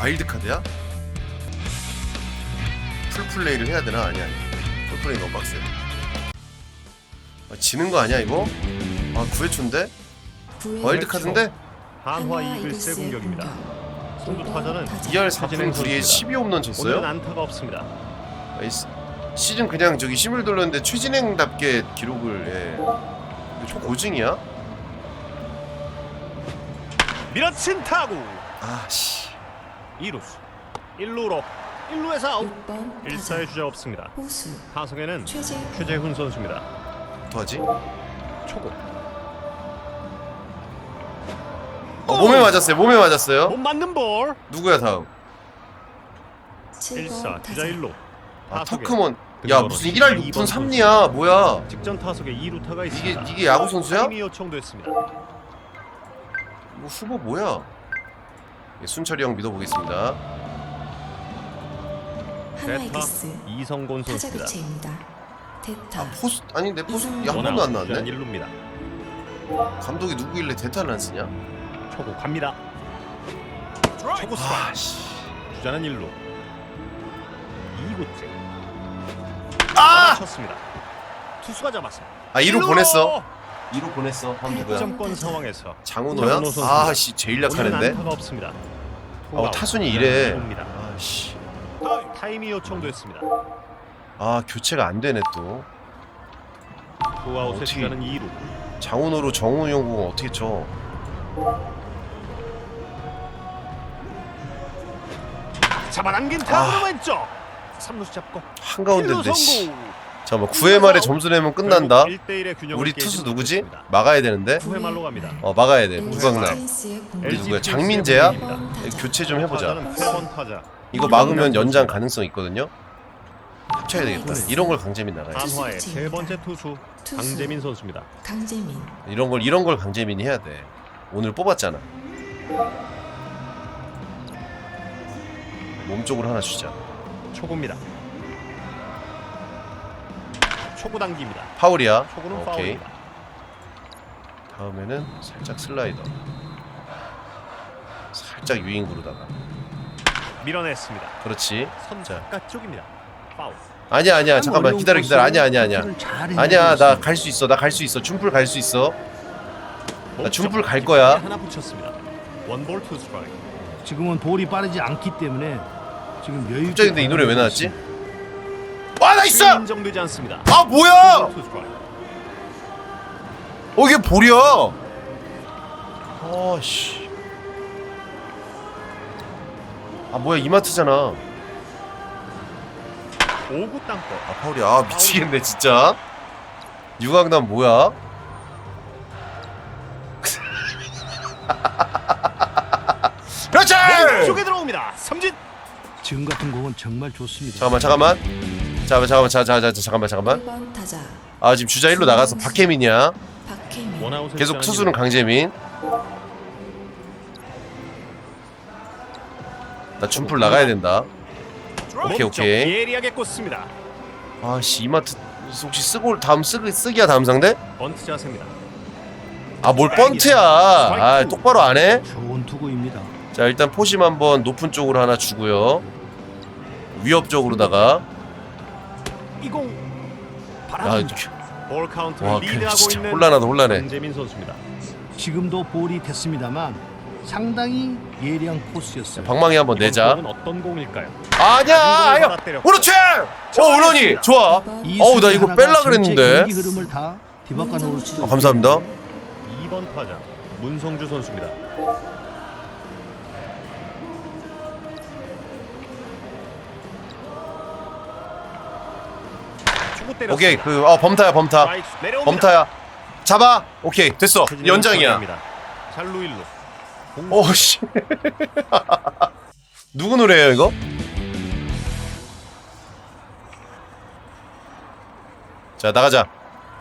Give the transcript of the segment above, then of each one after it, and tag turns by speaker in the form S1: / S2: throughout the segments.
S1: 와일드카드야? 풀플레이를 해야 되나? 아니 풀플레이 너무 빡세. 지는 거 아니야 이거? 9회초인데? 와일드카드인데?
S2: 한화 이글스의 공격입니다. 선두 타자는
S1: 2할 4분 9리에 12홈런 쳤어요?
S2: 오늘은 안타가 없습니다.
S1: 시즌 그냥 저기 심을 돌렸는데 최진행답게 기록을 이거 초고증이야?
S2: 밀어친 타구.
S1: 아씨
S2: 2루수 1루로 1루에서 아웃.
S3: 6번
S2: 1사의 주자 없습니다.
S3: 호수
S2: 타석에는
S3: 최재훈
S2: 최재훈 선수입니다.
S1: 어떡하지?
S2: 초구
S1: 몸에 맞았어요.
S2: 못 맞는 볼.
S1: 누구야 다음?
S2: 1사
S3: 7번
S2: 주자
S3: 타자
S2: 1루.
S1: 터크먼. 야 무슨 1할 6분 3리야 뭐야?
S2: 직전 타석에 2루타가 있습니다.
S1: 이게 야구 선수야?
S2: 타임이 요청됐습니다.
S1: 뭐 후보 뭐야? 순철이 형 믿어보겠습니다.
S3: 한화
S2: 대타
S3: 이글스
S2: 이성곤
S3: 타자
S2: 선수입니다.
S3: 교체입니다. 대타
S1: 포수 아니 내 포수 한 번도 안 나왔네.
S2: 1루입니다.
S1: 감독이 누구길래 대타를 안 쓰냐?
S2: 초구 갑니다. 초구 스트라이크.
S1: 아씨.
S2: 주자는 1루. 2구째. 쳤습니다. 투수가 잡았습니다.
S1: 2루 보냈어. 2루 보냈어. 한 누구야?
S2: 점권 상황에서
S1: 장훈호야?
S2: 장훈호 선수입니다.
S1: 아씨 제일
S2: 오늘은
S1: 약하는데.
S2: 안타가 없습니다.
S1: 타순이 이래.
S2: 투아웃입니다.
S1: 아씨.
S2: 타임이 요청됐습니다.
S1: 교체가 안 되네 또.
S2: 투아웃의
S1: 어떻게-
S2: 주자는 2루.
S1: 장훈호로 정훈 형공 어떻게 쳐?
S2: 잡아당긴 타구로 왼쪽. 3루수 잡고
S1: 한가운데인데
S2: 1루
S1: 씨.
S2: 성공.
S1: 잠깐만 9회 말에 점수 내면 끝난다.
S2: 1대1의 균형을
S1: 우리
S2: 깨지
S1: 투수 누구지?
S2: 못했습니다.
S1: 막아야 되는데.
S2: 9회 말로 갑니다.
S1: 막아야 돼.
S3: LG
S1: 무광남.
S3: 트윈스의 공격.
S1: 우리 누구야?
S2: LG
S1: 장민재야?
S2: 트윈스의
S1: 교체 좀 해보자.
S2: 타자는 8번 타자.
S1: 이거 막으면 연장 가능성 있거든요. 합쳐야 되겠다. 이런 걸 강재민 나가야 돼.
S2: 한화의 세 번째 투수 강재민 선수입니다.
S3: 강재민
S1: 이런 걸 강재민이 해야 돼. 오늘 뽑았잖아. 몸쪽으로 하나 주자.
S2: 초구입니다. 초구 당깁니다.
S1: 파울이야.
S2: 초구는
S1: 오케이.
S2: 파울입니다.
S1: 다음에는 살짝 슬라이더. 살짝 유인구로다가.
S2: 밀어냈습니다.
S1: 그렇지.
S2: 선
S1: 자.
S2: 바깥쪽입니다. 파울.
S1: 아니야. 잠깐만 기다려. 아니야. 아니야. 나 갈 수 있어. 춤풀 갈 수 있어. 나 춤풀 갈 거야.
S2: 하나 붙였습니다. 원볼 투 스트라이크.
S4: 지금은 볼이 빠르지 않기 때문에 지금 여유.
S1: 갑자기 근데 이 노래 왜 나왔지? 와 나이스!
S2: 인정되지 않습니다.
S1: 뭐야?
S2: 투 스트라이크.
S1: 이게 볼이야. 씨. 뭐야 이마트잖아.
S2: 5구 땅볼.
S1: 파울이야. 미치겠네 진짜. 유강남 뭐야? 그렇지!
S2: 쪽에 들어옵니다. 삼진.
S4: 지금 같은 공은 정말 좋습니다.
S1: 잠깐만. 잠깐만.
S3: 1번 타자
S1: 지금 주자 1로 나가서 박혜민이야.
S3: 박혜민
S2: 원아웃의
S1: 계속
S2: 주자는
S1: 투수는
S2: 일루.
S1: 강재민. 나 춤풀 나가야 된다. 오케이.
S2: 몸쪽 예리하게 꽂습니다.
S1: 씨 이마트 혹시 쓰기야 다음 상대?
S2: 번트 자세입니다.
S1: 뭘 번트야. 똑바로 안 해?
S4: 좋은 투구입니다.
S1: 자 일단 포심 한번 높은 쪽으로 하나 주고요. 위협적으로다가.
S2: 이공
S1: 야,
S2: 바랍니다. 볼 카운트를
S1: 와
S2: 리드하고
S1: 진짜
S2: 있는
S1: 혼란해.
S2: 강재민 선수입니다.
S4: 지금도 볼이 됐습니다만 상당히 예리한 코스였어요.
S1: 방망이 한번 내자.
S2: 이번 공은 어떤 공일까요?
S1: 아니야. 그렇지. 올런이 좋아. 나 이거 뺄라 그랬는데.
S4: 경기 흐름을 다 뒤바꿔 놓을 수도
S1: 감사합니다.
S2: 2번 타자 문성주 선수입니다. 초구 때렸습니다.
S1: 오케이 범타야.
S2: 스트라이크 내려옵니다.
S1: 범타야. 잡아. 오케이 됐어.
S2: 최진영
S1: 연장이야.
S2: 선수입니다. 잘루 1루.
S1: 씨. 누구 노래예요 이거? 자 나가자.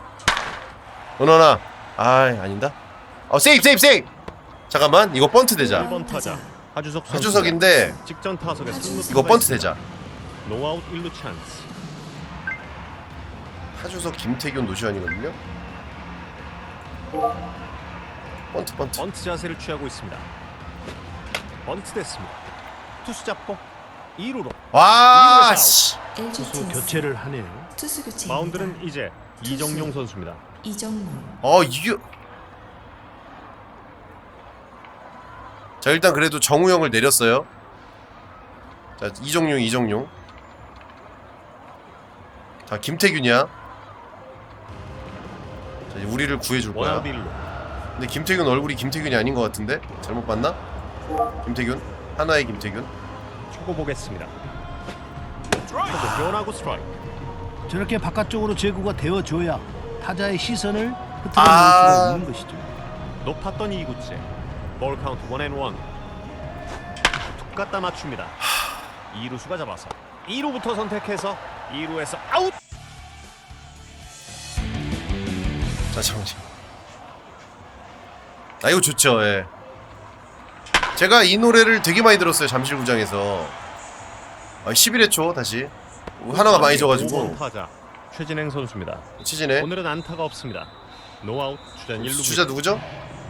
S1: 은원아. 아닌다. 세이브. 잠깐만 이거 번트 되자.
S2: 1번 타자 하주석 선수.
S1: 하주석인데
S2: 직전 타석에
S1: 이거 번트 되자.
S2: 노아웃 1루 찬스.
S1: 하주석 김태균 노시환이거든요. 번트.
S2: 번트 자세를 취하고 있습니다. 번트 됐습니다. 투수 잡고 2루로.
S1: 와 씨.
S3: LG
S4: 투수
S3: 트윈스
S4: 교체를 하네요.
S3: 투수 교체.
S2: 마운드는 이제 이정용 선수입니다.
S3: 이정문.
S1: 이게 자 일단 그래도 정우영을 내렸어요. 자 이정용 자 김태균이야. 자 이제 우리를 구해줄 거야.
S2: 원아웃 1루.
S1: 근데 김태균 얼굴이 김태균이 아닌 것 같은데? 잘못 봤나? 김태균? 하나의 김태균?
S2: 초고 보겠습니다. 초고 변하고 스트라이크.
S4: 저렇게 바깥쪽으로 제구가 되어줘야 타자의 시선을 흐트러 놓을
S1: 아.
S4: 수가 없는 것이죠.
S2: 높았던 2구째. 볼 카운트 1&1. 툭 갖다 맞춥니다. 2루수가 잡아서 2루부터 선택해서 2루에서 아웃.
S1: 자 잠깐만. 이거 좋죠. 예. 제가 이 노래를 되게 많이 들었어요. 잠실구장에서. 11회 초 다시 하나가 많이 져가지고
S2: 5번 타자 최진행 선수입니다.
S1: 치지네.
S2: 오늘은 안타가 없습니다. 노아웃 주전 1루.
S1: 주자 누구죠?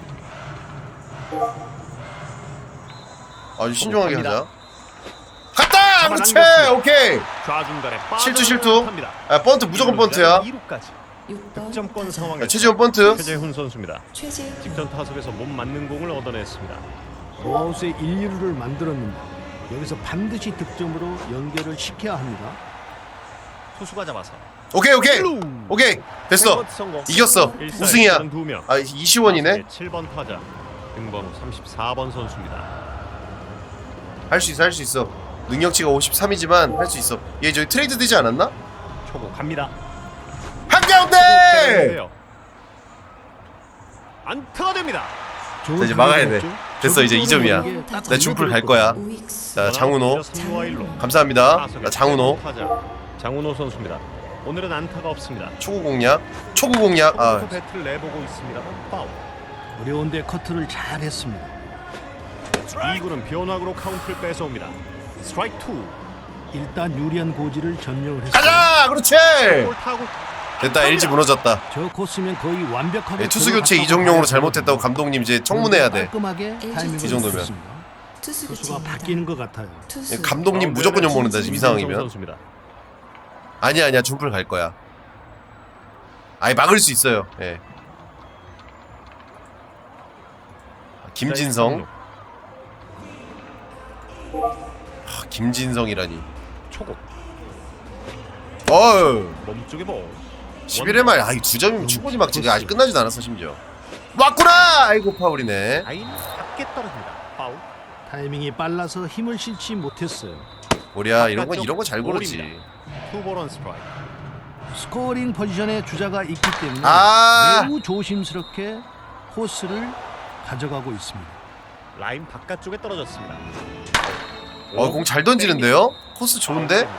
S1: 아주 신중하게 하자. 갔다! 그렇지! 오케이!
S2: 좌중간에
S1: 실투. 번트 무조건 번트야.
S2: 2루까지
S3: 6번
S2: 득점권
S3: 타자
S2: 상황에
S1: 최지원 번트.
S2: 최재훈 선수입니다.
S3: 최재훈.
S2: 직전 타석에서 못 맞는 공을 얻어냈습니다.
S4: 노아웃의 1, 2루를 만들었는데 여기서 반드시 득점으로 연결을 시켜야 합니다.
S2: 투수가 잡아서
S1: 오케이. 됐어.
S2: 성공.
S1: 이겼어.
S2: 일사
S1: 우승이야.
S2: 일승은 2명.
S1: 이시원이네.
S2: 7번 타자 등번호 34번 선수입니다.
S1: 할 수 있어. 능력치가 53이지만 할 수 있어. 얘 저기 트레이드 되지 않았나?
S2: 초고 갑니다.
S1: 한가운데!
S2: 때리는데요. 안타가 됩니다.
S4: 좋은
S1: 이제 막아야 돼.
S4: 타구였죠.
S1: 됐어, 이제 2점이야.
S4: 저기 딱
S1: 나 준풀 갈 거야.
S3: 우익수.
S1: 자, 장훈호.
S2: 삼루와 일루.
S1: 감사합니다.
S2: 타석에
S1: 나 장훈호.
S2: 타자. 장훈호 선수입니다. 오늘은 안타가 없습니다.
S1: 초구 공략. 아,
S2: 초구 배트를 내보고 있습니다. 파울.
S4: 어려운데 커트를 잘 했습니다.
S2: 2구는 변화구로 카운트를 뺏어옵니다. 스트라이크 2.
S4: 일단 유리한 고지를 점령을 했어요.
S1: 가자! 그렇지!
S2: 볼 타고
S1: 됐다. LG 무너졌다.
S4: 저 코스면 거의 완벽하게
S1: 투수 교체 이정용으로 잘못했다고 감독님 이제 청문해야 돼.
S4: 깔끔하게 타이밍을
S3: 이
S1: 정도면.
S4: 맞췄습니다.
S3: 투수
S4: 투수가
S3: 교체입니다.
S4: 바뀌는 것 같아요.
S3: 투수.
S1: 감독님 무조건 욕먹는다 지금 이상하면.
S2: 선수입니다.
S1: 아니야. 준풀 갈 거야. 막을 수 있어요. 예. 김진성. 김진성이라니.
S2: 초고. 몸쪽에 볼.
S1: 11회 말. 이 2점이면 충분히 막지. 아직 끝나지도 않았어 심지어. 왔구나. 아이고 파울이네.
S2: 라인 밖에 떨어집니다. 파울.
S4: 타이밍이 빨라서 힘을 실지 못했어요.
S1: 보랴 이런 거 잘 고르지.
S2: 투볼 스트라이크.
S4: 스코어링 포지션에 주자가 있기 때문에 매우 조심스럽게 코스를 가져가고 있습니다.
S2: 라인 바깥쪽에 떨어졌습니다.
S1: 공 잘 던지는데요? 코스 좋은데?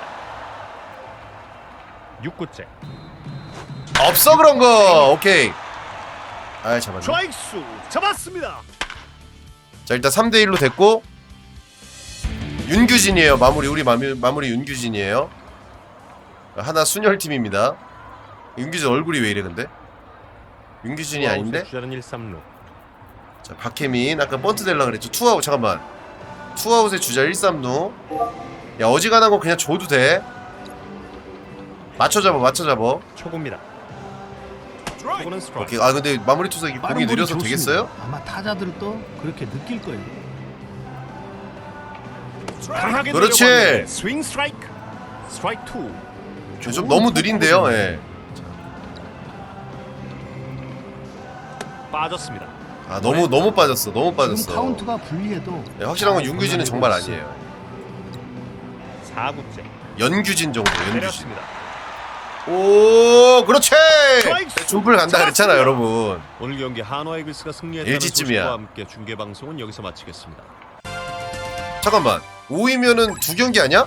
S2: 6구째.
S1: 없어 그런 거. 오케이. 잡았네.
S2: 트라이크수 잡았습니다.
S1: 자 일단 3대1로 됐고 윤규진이에요. 마무리 윤규진이에요. 하나 순혈팀입니다. 윤규진 얼굴이 왜 이래 근데? 윤규진이 아닌데?
S2: 주자는 1, 3루.
S1: 자 박혜민 아까 번트 댈라 그랬죠. 투아웃 잠깐만. 투아웃에 주자 1, 3루. 야 어지간한 거 그냥 줘도 돼. 맞춰 잡아.
S2: 초구입니다. 초구는 스트라이크.
S1: 오케이. 근데 마무리 투수 공이
S4: 빠른
S1: 느려서
S4: 볼이
S1: 되겠어요?
S4: 좋습니다. 아마 타자들도 그렇게 느낄 거예요.
S2: 강하게
S1: 그렇지.
S2: 내려봤는데 스윙 스트라이크. 스트라이크 2.
S1: 좀 너무 느린데요. 예.
S2: 빠졌습니다.
S1: 너무 빠졌어.
S4: 지금 카운트가 불리해도
S1: 예, 확실한 건 윤규진은 정말 아니에요.
S2: 4구째.
S1: 연규진 정도. 연규진.
S2: 내렸습니다.
S1: 오, 그렇지.
S2: 스트라이크!
S1: 준풀 간다 그랬잖아,
S2: 잡았습니다.
S1: 여러분.
S2: 오늘 경기 한화 이글스가 승리했다는
S1: LG쯤이야.
S2: 소식과 함께 중계 방송은 여기서 마치겠습니다.
S1: 잠깐만. 5위면은 2경기 아니야?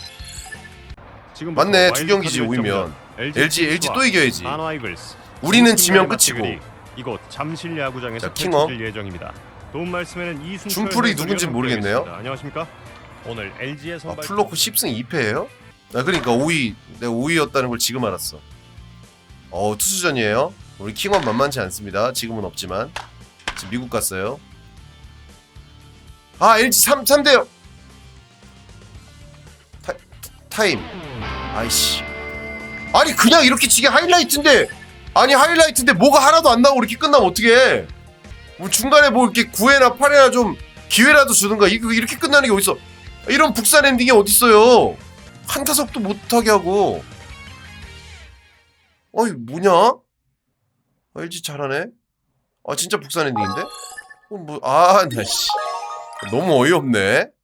S2: 지금
S1: 맞네. 2경기지 5위면. LG 또 이겨야지.
S2: 한화 이글스.
S1: 우리는 지면 끝이고.
S2: 이곳 잠실 야구장에서
S1: 자, 킹업.
S2: 펼쳐질 예정입니다. 도움 말씀에는 이순철
S1: 준풀이
S2: 해설위원
S1: 누군지 모르겠네요.
S2: 함께하겠습니다. 안녕하십니까? 오늘 LG의 선발
S1: 플로코 10승 2패예요? 그러니까 5위. 내가 5위였다는 걸 지금 알았어. 투수전이에요. 우리 킹원 만만치 않습니다. 지금은 없지만. 지금 미국 갔어요. LG 3대0. 타임. 아이씨. 아니 그냥 이렇게 지게 하이라이트인데, 아니 하이라이트인데 뭐가 하나도 안 나오고 이렇게 끝나면 어떡해. 뭐 중간에 뭐 이렇게 9회나 8회나 좀 기회라도 주든가. 이렇게 끝나는 게 어딨어. 이런 북산 엔딩이 어딨어요. 한 타석도 못하게 하고. 어이 뭐냐? LG 잘하네. 아 진짜 북산 엔딩인데? 나 씨. 너무 어이없네.